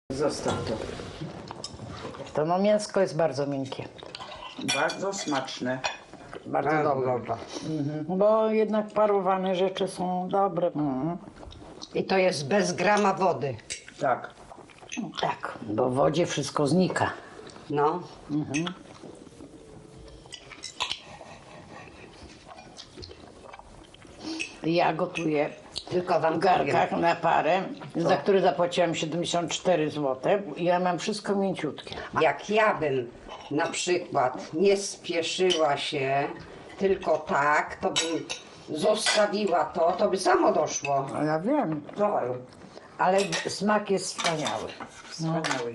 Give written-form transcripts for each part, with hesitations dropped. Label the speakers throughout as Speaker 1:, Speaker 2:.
Speaker 1: Zostaw to.
Speaker 2: To no mięsko jest bardzo miękkie.
Speaker 1: Bardzo smaczne.
Speaker 2: Bardzo dobre. Bo jednak parowane rzeczy są dobre.
Speaker 3: I to jest bez grama wody.
Speaker 1: Tak.
Speaker 2: Tak, bo w wodzie wszystko znika.
Speaker 3: No.
Speaker 2: Ja gotuję
Speaker 3: Tylko wam
Speaker 2: w garkach
Speaker 3: powiem.
Speaker 2: na parę, za który zapłaciłam 74 zł. I ja mam wszystko mięciutkie.
Speaker 3: Jak ja bym na przykład nie spieszyła się tylko tak, to bym zostawiła to by samo doszło.
Speaker 2: No ja wiem, ale smak jest wspaniały.
Speaker 1: Wspaniały.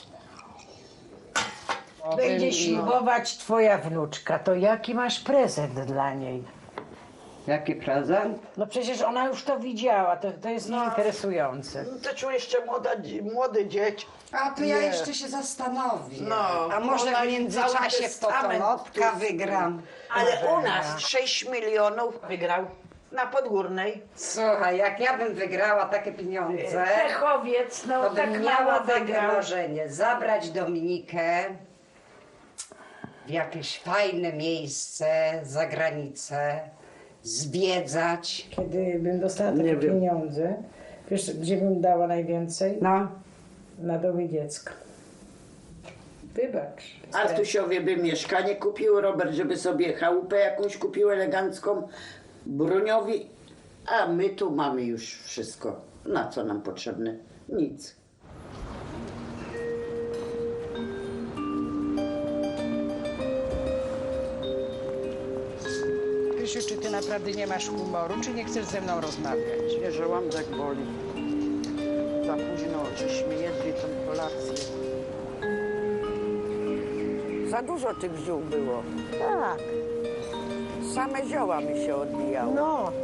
Speaker 2: Będzie ślubować twoja wnuczka, to jaki masz prezent dla niej?
Speaker 3: Jaki prezent?
Speaker 2: No przecież ona już to widziała, to jest nieinteresujące.
Speaker 1: To czuł jeszcze młody dzieć.
Speaker 3: A to ja jeszcze się zastanowię.
Speaker 1: No,
Speaker 3: A może
Speaker 1: ona
Speaker 3: w międzyczasie
Speaker 1: cały
Speaker 3: w
Speaker 1: testament
Speaker 3: Totonotka wygram.
Speaker 1: Ale u nas 6 milionów wygrał na Podgórnej.
Speaker 3: Słuchaj, jak ja bym wygrała takie pieniądze,
Speaker 2: Pechowiec, no
Speaker 3: to
Speaker 2: tak
Speaker 3: bym
Speaker 2: mało
Speaker 3: miała takie
Speaker 2: wygrał.
Speaker 3: marzenie, zabrać Dominikę w jakieś fajne miejsce, za granicę, zwiedzać.
Speaker 2: Kiedy bym dostała takie pieniądze, wiesz, gdzie bym dała najwięcej?
Speaker 3: No.
Speaker 2: Na domy dziecka. Wybacz.
Speaker 4: Artusiowie by mieszkanie kupił, Robert, żeby sobie chałupę jakąś kupił elegancką, Bruniowi, a my tu mamy już wszystko. Na co nam potrzebne? Nic.
Speaker 5: Krysiu, czy ty naprawdę nie masz humoru, czy nie chcesz ze mną rozmawiać?
Speaker 1: Nie, że żołądek boli. Za późno żeśmy jedli tą kolację.
Speaker 6: Za dużo tych ziół było.
Speaker 2: Tak,
Speaker 6: Same zioła mi się odbijały.
Speaker 2: no,